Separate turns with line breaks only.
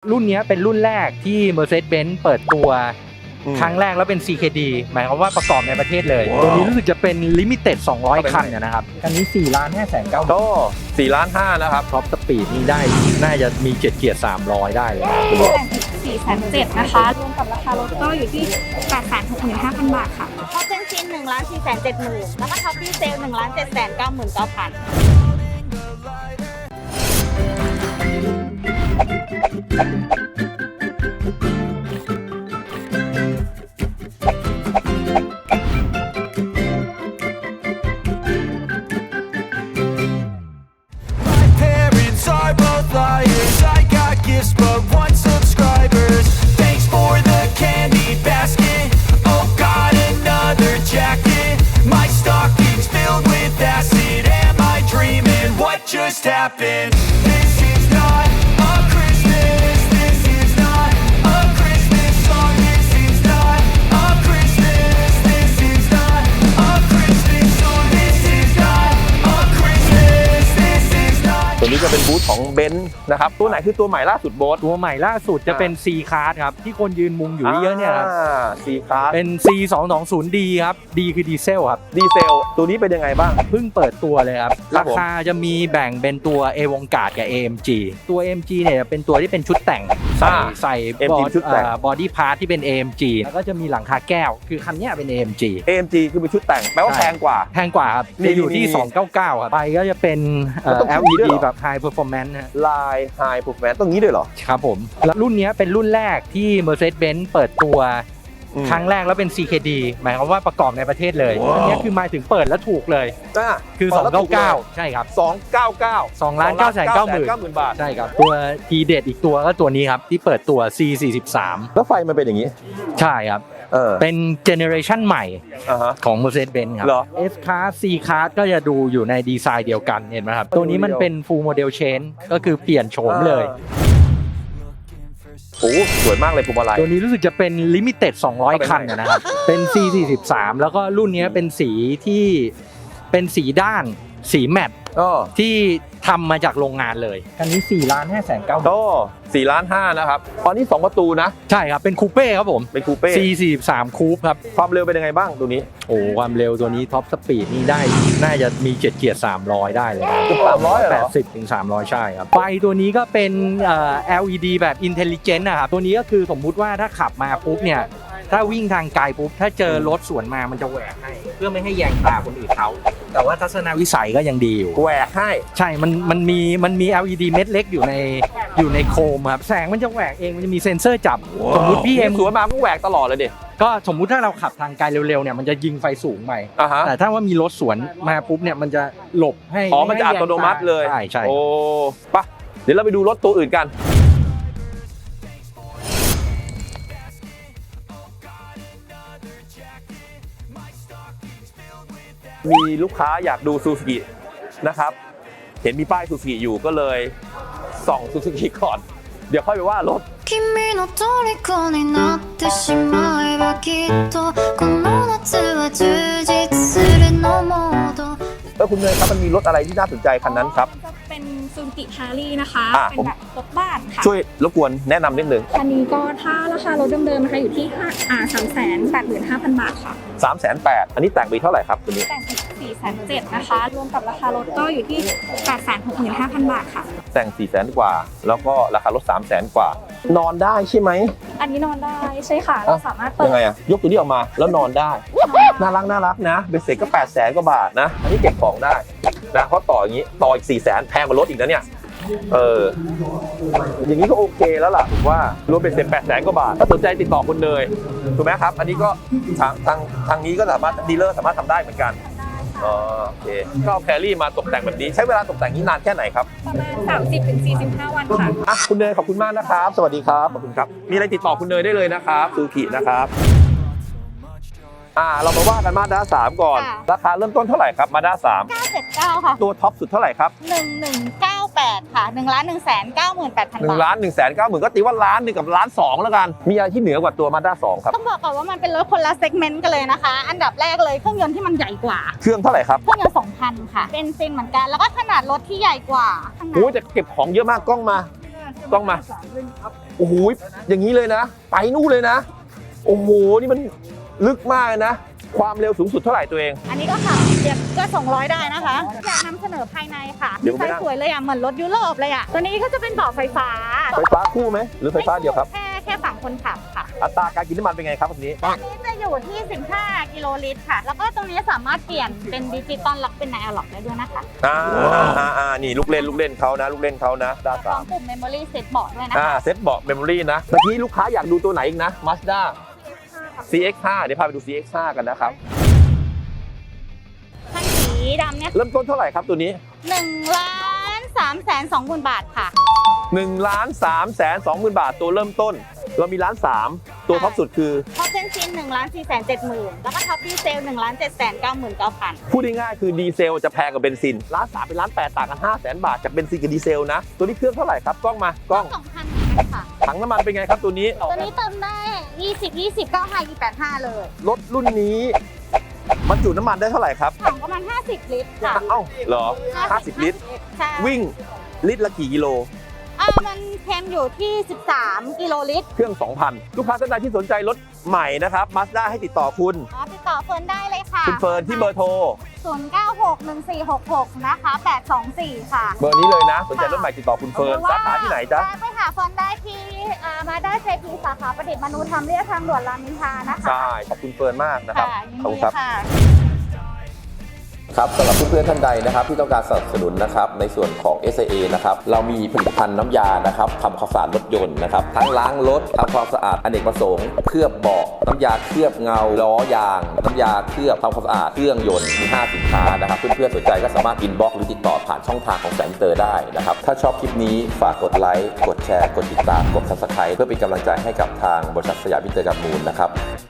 รุ่นนี้เป็นรุ่นแรกที่ Mercedes-Benz เปิดตัวครั้งแรกแล้วเป็น CKD หมายความว่าประกอบในประเทศเลยตัวนี้รู้สึกจะเป็น Limited 200 คันนะครับคันนี้4,590,000
ก็4.5 ล้านนะครับ
ท็อปสปีดนี่ได้น่าจะมี7 เกียร์300ได้เลย
4,700,000นะคะรวมกับราคารถก็อยู่ที่ 865,000 บาทค่ะ
ท็อปเบนซิน1,470,000แล้วก็ท็อปดีเซล1,799,000
But one subscribers. Thanks for the candy basket. Oh God, another jacket. My stocking's filled with acid. Am I dreaming? What just happened? This is not a Christmas. This is not a Christmas song. This is not a Christmas. This is not a Christmas song. This is not a Christmas. This is not.
ตัวนี้จะเป็นบูธของเบนซ์นะครับตัวไหนคือตัวใหม่ล่าสุดโบ๊ท
ตัวใหม่ล่าสุดจะเป็น C Class ครับที่คนยืนมุงอยู่เยอะเนี่ยครับ
C Class
เป็น C220D ครับ D คือดีเซลครับ
ดีเซลตัวนี้เป็นยังไงบ้าง
เพิ่งเปิดตัวเลยครับราคาจะมีแบ่งเป็นตัว Avantgarde กับ AMG ตัว AMG เนี่ยเป็นตัวที่เป็นชุดแต่งใส่บอดี้พาร์ทที่เป็น AMG แล้วก็จะมีหลังคาแก้วคือคันนี้เป็น AMG
คือเป็นชุดแต่งแปลว่าแพงกว่า
ครับจะอยู่ที่299ครับไปก็จะเป็น LED แบบ High Performance
ลาย High Performance ตรงนี้ด้วยเหรอ
ครับผมแล้วรุ่นนี้เป็นรุ่นแรกที่ Mercedes-Benz เปิดตัวครั้งแรกแล้วเป็น CKD หมายความว่าประกอบในประเทศเลยอันนี้คือหมายถึงเปิดแล้วถูกเลยคือ299ใช่ครับ
2,990,000 บาท
ใช่ครับตัวทีเด็ดอีกตัวก็ตัวนี้ครับที่เปิดตัว C43
แล้วไฟมันเป็นอย่างนี้
ใช่ครับเป็นเจเนอเรชันใหม่ของ Mercedes-Benz ครับ S Class C Class ก็จะดูอยู่ในดีไซน์เดียวกันเห็นไหมครับตัวนี้มันเป็น Full Model Change ก็คือเปลี่ยนโฉมเลย
โอ้สวยมากเลยพวงมาลัย
ตัวนี้รู้สึกจะเป็น Limited 200 คันนะครับเป็น C43 แล้วก็รุ่นนี้เป็นสีที่เป็นสีด้านสีแมตต์ที่ทำมาจากโรงงานเลยคันนี้4,590,000
ก็4.5 ล้านนะครับตอนนี้2ประตูนะ
ใช่ครับเป็นคูเป้ครับผม
เป็นคูเป้
C43 คูปครับ
ความเร็วเป็นยังไงบ้างตัวนี้
โอ้ความเร็วตัวนี้ท็อปสปีดนี่ได้น่าจะมี7 เกียร์300ได้เลย
300
80 ถึง 300ใช่ครับไฟตัวนี้ก็เป็นLED แบบ Intelligent นะครับตัวนี้ก็คือสมมุติว่าถ้าขับมาปุ๊บเนี่ยถ้าวิ่งทางไกลปุ๊บถ้าเจอรถสวนมามันจะแหวกให้เพื่อไม่ให้แยงตาคนอื่นเขาแต่ว่าทัศนวิสัยก็ยังดีอยู่
แหวกให้
ใช่มันมี LED เม็ดเล็กอยู่ในโคมครับแสงมันจะแหวกเองมันจะมีเซ็นเซอร์จับสมมุติพี่
สวนมาก็แหวกตลอดเลยดิ
ก็สมมุติถ้าเราขับทางไกลเร็วๆเนี่ยมันจะยิงไฟสูงไปแต่ถ้าว่ามีรถสวนมาปุ๊บเนี่ยมันจะหลบให้
มันจะอัตโนมัติเลย
ใช่
โอ้ปะเดี๋ยวเราไปดูรถตัวอื่นกันมีลูกค้าอยากดูซูซูกินะครับเห็นมีป้ายซูซูกิอยู่ก็เลยส่องซูซูกิก่อนเดี๋ยวค่อยไปว่ารถคุณเนยครับมันมีรถอะไรที่น่าสนใจคันนั้นครับ
เป็นซูซูกิแฮร์รี่นะคะเป็นแบบรถบ้านค่ะ
ช่วยรบกวนแนะนำนิดนึง
คันนี้ก็ถ้าราคารถเดิมๆนะคะอยู่ที่385,000 บาทค่ะ
380,000อันนี้แต่งปีเท่าไหร่ครับตัวนี้
แต่ง4,700,000นะคะรวมกับราคารถก็อยู่ที่865,000 บาทค่ะ
แต่ง400,000 กว่าแล้วก็ราคารถ300,000 กว่านอนได้ใช่ไหม
อันนี้นอนได้ใช่ค่ะเราสามารถเปิด
ยังไงอะยกตัวนี้ออกมาแล้วนอนได้น่ารักนะเบสเซ็ตก็800,000 กว่าบาทนะอันนี้เก็บของได้นะเพราะต่ออย่างนี้ต่ออีก400,000แพงกว่ารถอีกนะเนี่ยอย่างนี้ก็โอเคแล้วล่ะผมว่ารวมเป็นเสร็จ800,000 กว่าบาทถ้าสนใจติดต่อคุณเนยถูกไหมครับอันนี้ก็ทางนี้ก็สามารถดีลเลอร์สามารถทำได้เหมือนกันโอเคก็เอาแครี่มาตกแต่งแบบนี้ใช้เวลาตกแต่งนี้นานแค่ไหนครับ
ประมาณ30-45 วันค่ะ
คุณเนยขอบคุณมากนะครับสวัสดีครับขอบคุณครับมีอะไรติดต่อคุณเนยได้เลยนะครับซูซูกินะครับเรามาว่ากันมาด้า3ก่อนราคาเริ่มต้นเท่าไหร่ครับมาด้า3
979ค่ะ
ตัวท็อปสุดเท่าไหร่ครับ
1198ค่ะ1,198,000 บาท
1,190,000ก็ตีว่า1,000,000กับ1,200,000แล้วกันมีอะไรที่เหนือกว่าตัวมาด้า2ครับ
ต้องบอกก่อนว่ามันเป็นรถคนละเซกเมนต์กันเลยนะคะอันดับแรกเลยเครื่องยนต์ที่มันใหญ่กว่า
เครื่องเท่าไหร่ครับ
เครื่องยนต์ 2,000 ค่ะเป็นซินเหมือนกันแล้วก็ขนาดรถที่ใหญ่กว่า
โอ้จะเก็บของเยอะมากกล้องมาต้องมาโอ้โหอย่างนี้เลยนะ ไปนู่นเลยนะ โอ้โหนี่มันลึกมากเลยนะ ความเร็วสูงสุดเท่าไหร่ตัวเอง
อันนี้ก็ขับเดี๋ยวก็200ได้นะคะ อยากนำเสนอภายในค่ะ
เดี๋ยว
ดี
ไม่
ไซ
ได้
น์สวยเลยอ่ะเหมือนรถยุโรปเลยอ่ะตัวนี้ก็จะเป็นเบาะไฟฟ้า
ไฟฟ้าคู่ไหมหรือไฟฟ้าเดียวครับ
แค่ฝั่งคนขับค่ะ
อัตราการกินน้ำมันเป็นไงครับวันนี้
นี่จะอยู่ที่15กิโลลิตรค่ะ แล้วก็ตรงนี้สามารถเปลี่ยนเป็นดิจิตอลล็อกเป็นไนอะล็อกได้ด้วยนะคะ
นี่ลูกเล่นเขานะด้าน
พร้อ
สาม
มปุ่ม Memory Set เบาะด้วยนะคะ
เซ็ตเบาะเมมโมรี่นะเมื่อกี้ลูกค้าอยากดูตัวไหนอีกนะ Mazda CX5 เดี๋ยวพาไปดู CX5 กันนะครับ
คันสีดำเนี่ย
เริ่มต้นเท่าไหร่ครับตัวนี้
1,320,000 บาทค่ะ
1,320,000 บาทตัวเริ่มต้น เรามี1,300,000ตัวท็อปสุดคือ
ท็อปเบนซิน1,470,000 แล้วก็ท็อปดีเซล1,799,000
พูดง่ายๆคือดีเซลจะแพงกว่าเบนซิน1,300,000เป็น1,800,000ต่างกัน500,000 บาทจากเบนซินกับดีเซลนะ ตัวนี้เครื่องเท่าไหร่ครับกล้องมากล้อง
2,000ค่ะ
ถังน้ำมันเป็นไงครับตัวนี้
ตัวนี้เติมได้ 20 95 85 เลย
รถรุ่นนี้บรรจุน้ำมันได้เท่าไหร่ครับ
ถังประมาณ 50 ลิตรค่ะ
เอ้าเหรอ50 ลิตร
ใช่
วิ่งลิตรละกี่กิโล
มันเค็มอยู่ที่ 13 กิโลลิตร
เครื่อง 2,000 ลูกค้าท่านใดที่สนใจรถใหม่นะครับ Mazda ให้ติดต่อคุณ
ติดต่อเฟิร์นได้เลยค่ะ
คุณเฟิร์นที่เบอร์โทร
096146 นะคะ 824 ค่ะ
เบอร์นี้เลยนะ สนใจรถใหม่ติดต่อคุณเฟิร์นสาขาที่ไหนจ๊ะ
ไปหาเฟิร์นได้ที่มาได้เซพีสาขาประดิษฐ์มนุธรรมเรียบทางด่วนรามอินทรานะคะ
ใช่ ขอบคุณเฟิร์นมากนะครับ
ค่ะยิน
ขอบ
ดี
คุณครับ
ค่ะ
ครับสำหรับเพื่อนๆท่านใดนะครับที่ต้องการสนับสนุนนะครับในส่วนของ SIA นะครับเรามีผลิตภัณฑ์น้ำยานะครับทำความสะอาดรถยนต์นะครับทั้งล้างรถทำความสะอาดอเนกประสงค์เคลือบเบาะน้ำยาเคลือบเงาล้อยางน้ำยาเคลือบทำความสะอาดเครื่องยนต์มี5สินค้านะครับเพื่อนๆสนใจก็สามารถอินบ็อกซ์หรือติดต่อผ่านช่องทางของแสงเตอร์ได้นะครับถ้าชอบคลิปนี้ฝากกดไลค์กดแชร์กดติดตามกด Subscribe เพื่อเป็นกำลังใจให้กับทางบริษัทสยามอินเตอร์การ์มูลนะครับ